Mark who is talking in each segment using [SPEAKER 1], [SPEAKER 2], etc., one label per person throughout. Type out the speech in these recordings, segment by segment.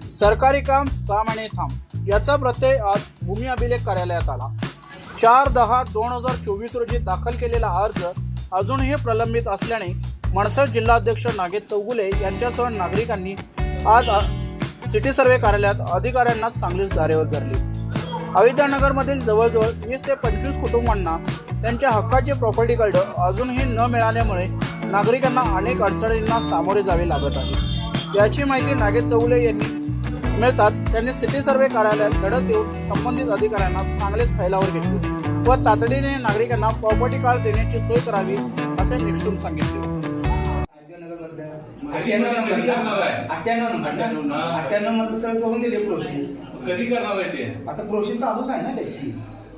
[SPEAKER 1] सरकारी काम 6 महिने थांब याचा प्रत्यय आज भूमी अभिलेख कार्यालयात आला। 4/10/2024 रोजी दाखल केलेला अर्ज अजूनही प्रलंबित असल्याने मनसे जिल्हाध्यक्ष नागेश चौगुले यांच्यासह नागरिकांनी आज सिटी सर्वे कार्यालयात अधिकाऱ्यांना चांगलीच धारेवर धरली। अयोध्यानगरमधील जवळजवळ 20 ते 25 कुटुंबांना त्यांच्या हक्काचे प्रॉपर्टी कार्ड अजूनही न मिळाल्यामुळे नागरिकांना अनेक अडचणींना सामोरे जावे लागत आहे। याची माहिती नागेश चौगुले यांनी मिळताच त्यांनी सिटी सर्वे कार्यालयात धडक देऊन संबंधित अधिकाऱ्यांना चांगलेच फैलावर घेतले व तातडीने नागरिकांना प्रॉपर्टी कार्ड देण्याची सोय करावी असे निक्षून सांगितले।
[SPEAKER 2] 98 मध्ये सगळं करून दिले प्रोसेस।
[SPEAKER 3] कधी करणार आहे ते?
[SPEAKER 2] आता प्रोसेस चालूच आहे ना त्याची।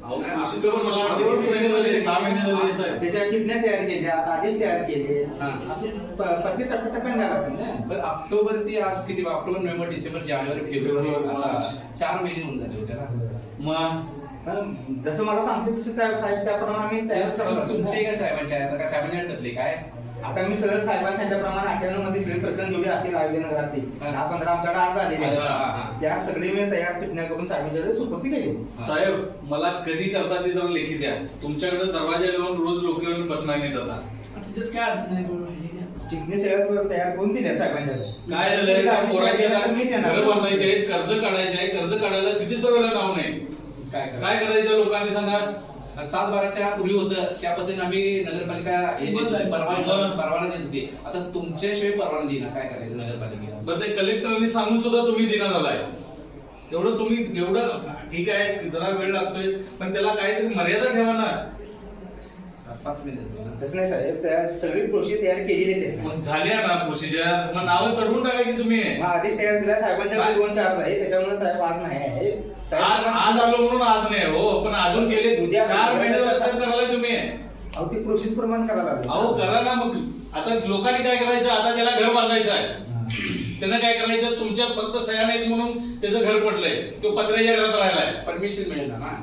[SPEAKER 2] त्याच्या किडन्या तयार केल्या, आदेश तयार केले, असे प्रत्येक टप्प्याटप्प्याने लागतात ना।
[SPEAKER 4] ऑक्टोबर ते आज किती? ऑक्टोबर, नोव्हेंबर, डिसेंबर, जानेवारी, फेब्रुवारी, 4 महिने होऊन झाले होते ना।
[SPEAKER 2] मग जसं मला सांगते तसं त्या साहेब त्याप्रमाणे आम्ही तयार करतो।
[SPEAKER 4] तुमचे काय साहेबांचे आता काय साहेबांनी अडकले काय?
[SPEAKER 2] आता मी सरळ साहेबांनी सांगितल्याप्रमाणे 98 मध्ये सगळे प्रकरण जेवढे असतील अयोध्यानगरातले 10-15 आमच्याकडे आज आलेले आहेत, त्या सगळे मी तयार पिटण्या करून साहेबांच्याकडे सुपूर्ती केली।
[SPEAKER 3] साहेब मला कधी करता ते जरा लेखी द्या। तुमच्याकडे दरवाजा लावून रोज लोक येऊन बसणार नाहीत। आता
[SPEAKER 4] काय अडचण आहे?
[SPEAKER 2] स्टिकने सगळं तयार करून दिल्या साहेबांच्याकडे।
[SPEAKER 3] काय झालंय? पोराचे घर बांधायचे आहेत, कर्ज काढायचे आहे, कर्ज काढायला सिटी सर्वेला नाव नाही। काय करायचं लोकांनी सांगा?
[SPEAKER 4] 7/12च्या पूर्वी होतं त्या पद्धतीने आम्ही नगरपालिका परवाना देत होती। आता तुमच्याशिवाय परवाना देईना, काय करायचं नगरपालिकेला?
[SPEAKER 3] बरं ते कलेक्टरांनी सांगून सुद्धा तुम्ही दिना झालाय। एवढं तुम्ही एवढं ठीक आहे, जरा वेळ लागतोय पण त्याला काहीतरी मर्यादा ठेवा ना।
[SPEAKER 4] 5 मिनिट
[SPEAKER 2] तसं नाही साहेब, त्या सगळी प्रोसेस तयार केलेली आहे।
[SPEAKER 3] मग झाल्या ना प्रोसिजर, मग नावं चढवून टाका की तुम्ही।
[SPEAKER 2] आदेश तयार दिला साहेबांच्याकडे 2 चार्ज आहे, त्याच्यामुळे साहेब आज नाही आहे।
[SPEAKER 3] आज आलो म्हणून आज नाही हो, पण अजून गेले उद्या 4 महिने कसं करायला तुम्ही?
[SPEAKER 2] अहो ती प्रोसेस प्रमाणे करायला लागेल।
[SPEAKER 3] अहो करा ना। मग आता लोकांनी काय करायचं? आता त्याला घर बांधायचं आहे, त्यांना काय करायचं? तुमच्या फक्त सह्या नाहीत म्हणून त्याचं घर पडलंय, तो पत्र्याच्या घरात राहिलाय,
[SPEAKER 4] परमिशन मिळेल ना।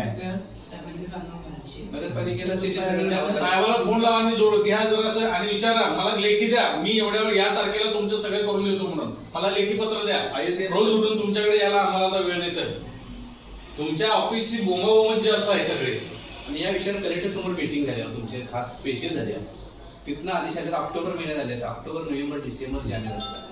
[SPEAKER 4] नगरपालिकेला सिटी सर्वे
[SPEAKER 3] साहेबाला फोन लावा आणि जोड घ्या जरासं आणि विचारा मला लेखी द्या, मी एवढ्या या तारखेला तुमचं सगळं करून देतो म्हणून मला लेखी पत्र द्या। रोज उठून तुमच्याकडे यायला आम्हाला आता वेळ नाही साहेब। तुमच्या ऑफिसची बोंबाबोंब जास्त आहे सगळे।
[SPEAKER 4] आणि या विषयावर कलेक्टर समोर मीटिंग झाली तुमचे खास स्पेशल झाली। तिथनं आदेश आले ऑक्टोबर महिन्यात आले, ऑक्टोबर, नोव्हेंबर, डिसेंबर, जानेवारी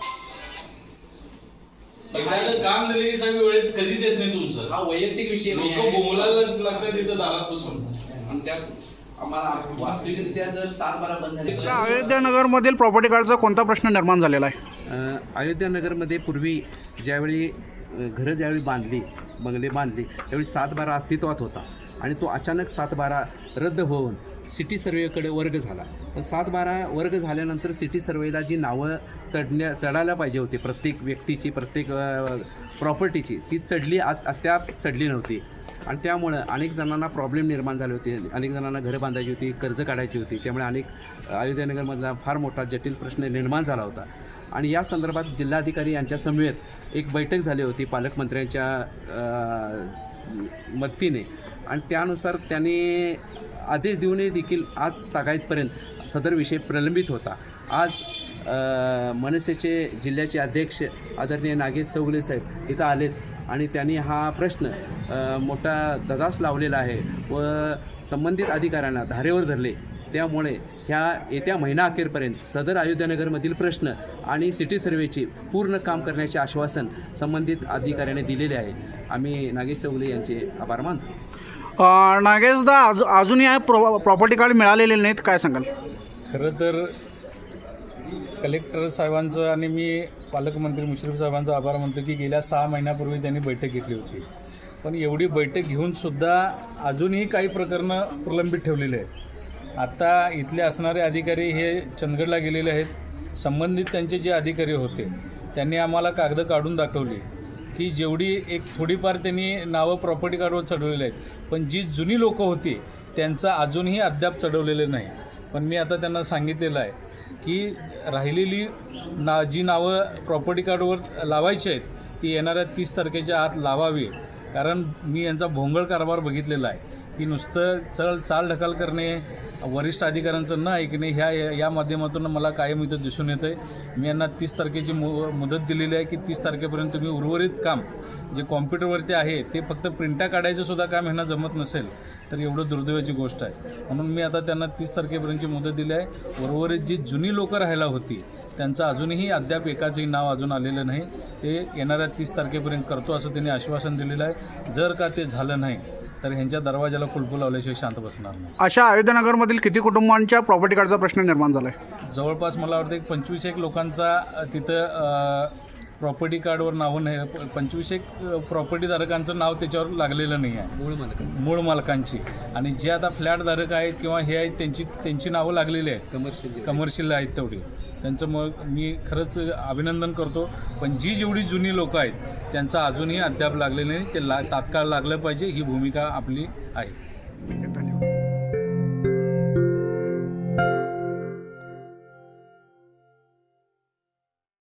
[SPEAKER 3] काम दिले की साहेब वेळेत कधीच येत नाही तुमचं।
[SPEAKER 4] हा वैयक्तिक विषय
[SPEAKER 3] लोक बोंबलायला लागतात तिथं दारात बसून।
[SPEAKER 4] आणि त्यात आम्हाला वास्तविकरित्या जर 7/12 बंद झाले।
[SPEAKER 1] अयोध्यानगरमधील प्रॉपर्टी कार्डचा कोणता प्रश्न निर्माण झालेला आहे?
[SPEAKER 5] अयोध्यानगरमध्ये पूर्वी ज्यावेळी घरं ज्यावेळी बांधली, बंगले बांधली, त्यावेळी 7/12 अस्तित्वात होता आणि तो अचानक 7/12 रद्द होऊन सिटी सर्वेकडे वर्ग झाला। पण 7/12 वर्ग झाल्यानंतर सिटी सर्वेला जी नावं चढायला पाहिजे होती प्रत्येक व्यक्तीची, प्रत्येक प्रॉपर्टीची, ती चढली अद्याप चढली नव्हती आणि त्यामुळं अनेक जणांना प्रॉब्लेम निर्माण झाले होते। अनेक जणांना घरं बांधायची होती, कर्ज काढायची होती, त्यामुळे अनेक अयोध्यानगरमधला फार मोठा जटिल प्रश्न निर्माण झाला होता। आणि या संदर्भात जिल्हाधिकारी यांच्या समवेत एक बैठक झाली होती पालकमंत्र्यांच्या मदतीने आणि त्यानुसार त्यांनी आदेश देऊनही देखील आज तागायतपर्यंत सदर विषय प्रलंबित होता। आज मनसेचे जिल्ह्याचे अध्यक्ष आदरणीय नागेश चौगुले साहेब इथं आलेत आणि त्यांनी हा प्रश्न मोठा धडास लावलेला आहे व संबंधित अधिकाऱ्यांना धारेवर धरले। त्यामुळे ह्या येत्या महिना अखेरपर्यंत सदर अयोध्यानगरमधील प्रश्न आणि सिटी सर्वेचे पूर्ण काम करण्याचे आश्वासन संबंधित अधिकाऱ्याने दिलेले आहे। आम्ही नागेश चौगुले यांचे आभार मानतो।
[SPEAKER 1] नागेशदा, अजूनही प्रॉपर्टी कार्ड मिळालेले नाहीत, काय सांगाल?
[SPEAKER 6] खरं तर कलेक्टर साहेबांचं आणि मी पालकमंत्री मुश्रीफ साहेबांचा आभार मानतो की गेल्या 6 महिन्यापूर्वी त्यांनी बैठक घेतली होती, पण एवढी बैठक घेऊनसुद्धा अजूनही काही प्रकरणं प्रलंबित ठेवलेली आहेत। आता इथले असणारे अधिकारी हे चंदगडला गेलेले आहेत। संबंधित त्यांचे जे अधिकारी होते त्यांनी आम्हाला कागद काढून दाखवली की जेवढी एक थोडीफार त्यांनी नावं प्रॉपर्टी कार्डवर चढवलेली आहेत, पण जी जुनी लोकं होती त्यांचं अजूनही अद्याप चढवलेलं नाही। पण मी आता त्यांना सांगितलेलं आहे की राहिलेली जी नावं प्रॉपर्टी कार्डवर लावायची आहेत ती येणाऱ्या 30 तारखेच्या आत लावावी, कारण मी यांचा भोंगळ कारभार बघितलेला आहे। की नुसतं चाल ढकल करणे, वरिष्ठ अधिकाऱ्यांचं न ऐकणे या माध्यमातून मला कायम इथं दिसून येतं आहे. मी यांना 30 तारखेची मुदत दिलेली आहे की 30 तारखेपर्यंत तुम्ही उर्वरित काम जे कॉम्प्युटरवरती आहे ते फक्त प्रिंटा काढायचं सुद्धा काम ह्यांना जमत नसेल तर एवढं दुर्दैवाची गोष्ट आहे. म्हणून मी आता त्यांना 30 तारखेपर्यंतची मुदत दिली आहे. उर्वरित जी जुनी लोकं राहायला होती त्यांचं अजूनही अद्याप एकाचंही नाव अजून आलेलं नाही. ते येणाऱ्या 30 तारखेपर्यंत करतो असं त्यांनी आश्वासन दिलेलं आहे. जर का ते झालं नाही तर ह्यांच्या दरवाजाला कुलूप लावल्याशिवाय शांत बसणार नाही.
[SPEAKER 1] अशा अयोध्यानगरमधील किती कुटुंबांच्या प्रॉपर्टी कार्डचा प्रश्न निर्माण झाला आहे?
[SPEAKER 6] जवळपास मला वाटतं एक 25 लोकांचा तिथं प्रॉपर्टी कार्डवर नावं नाही. 25 प्रॉपर्टीधारकांचं नाव त्याच्यावर लागलेलं नाही आहे, मूळ मालकांची. आणि जे आता फ्लॅटधारक आहेत किंवा हे आहेत त्यांची नावं लागलेली आहेत, कमर्शियल आहेत तेवढी. त्यांचं मग मी खरंच अभिनंदन करतो. पण जेवढी जुनी लोकं आहेत त्यांचं अजूनही अद्याप लागलेलं नाही. ते तात्काळ लागलं पाहिजे ही भूमिका आपली आहे.